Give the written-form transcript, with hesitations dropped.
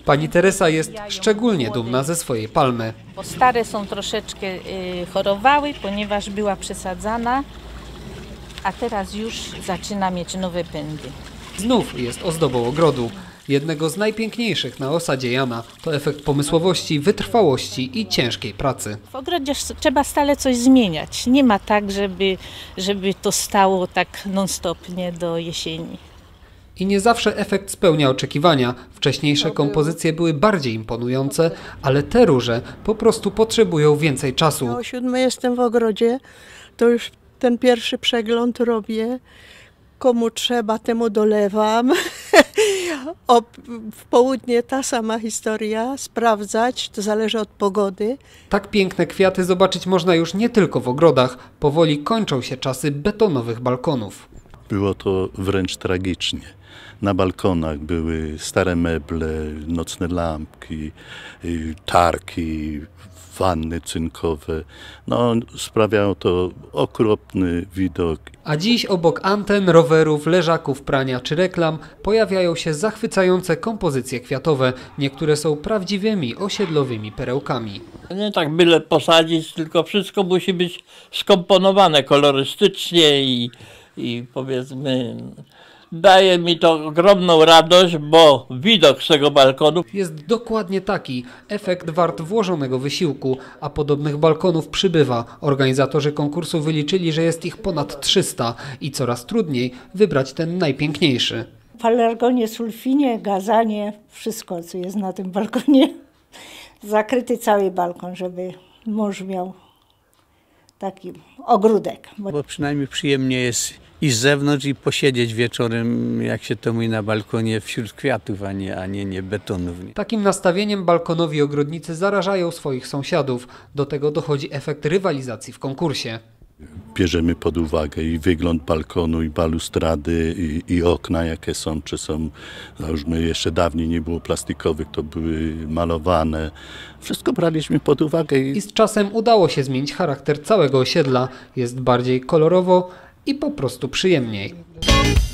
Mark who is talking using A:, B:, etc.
A: Pani Teresa jest szczególnie dumna ze swojej palmy.
B: Bo stare są troszeczkę chorowały, ponieważ była przesadzana, a teraz już zaczyna mieć nowe pędy.
A: Znów jest ozdobą ogrodu. Jednego z najpiękniejszych na osadzie Jana. To efekt pomysłowości, wytrwałości i ciężkiej pracy.
B: W ogrodzie trzeba stale coś zmieniać. Nie ma tak, żeby to stało tak non-stop, nie, do jesieni.
A: I nie zawsze efekt spełnia oczekiwania. Wcześniejsze kompozycje były bardziej imponujące, ale te róże po prostu potrzebują więcej czasu.
C: O 7 jestem w ogrodzie, to już ten pierwszy przegląd robię. Komu trzeba, temu dolewam. W południe ta sama historia, sprawdzać, to zależy od pogody.
A: Tak piękne kwiaty zobaczyć można już nie tylko w ogrodach. Powoli kończą się czasy betonowych balkonów.
D: Było to wręcz tragicznie. Na balkonach były stare meble, nocne lampki, tarki, wanny cynkowe. No, sprawiało to okropny widok.
A: A dziś obok anten, rowerów, leżaków, prania czy reklam pojawiają się zachwycające kompozycje kwiatowe. Niektóre są prawdziwymi osiedlowymi perełkami.
E: Nie tak byle posadzić, tylko wszystko musi być skomponowane kolorystycznie i powiedzmy... Daje mi to ogromną radość, bo widok z tego balkonu
A: jest dokładnie taki. Efekt wart włożonego wysiłku, a podobnych balkonów przybywa. Organizatorzy konkursu wyliczyli, że jest ich ponad 300 i coraz trudniej wybrać ten najpiękniejszy.
F: Pelargonie, sulfinie, gazanie, wszystko co jest na tym balkonie. Zakryty cały balkon, żeby mąż miał taki ogródek.
G: Bo przynajmniej przyjemnie jest i z zewnątrz i posiedzieć wieczorem, jak się to mówi, na balkonie wśród kwiatów, a nie betonów.
A: Takim nastawieniem balkonowi ogrodnicy zarażają swoich sąsiadów. Do tego dochodzi efekt rywalizacji w konkursie.
D: Bierzemy pod uwagę i wygląd balkonu, i balustrady, i okna, jakie są, czy są, załóżmy, jeszcze dawniej nie było plastikowych, to były malowane. Wszystko braliśmy pod uwagę.
A: I z czasem udało się zmienić charakter całego osiedla. Jest bardziej kolorowo i po prostu przyjemniej.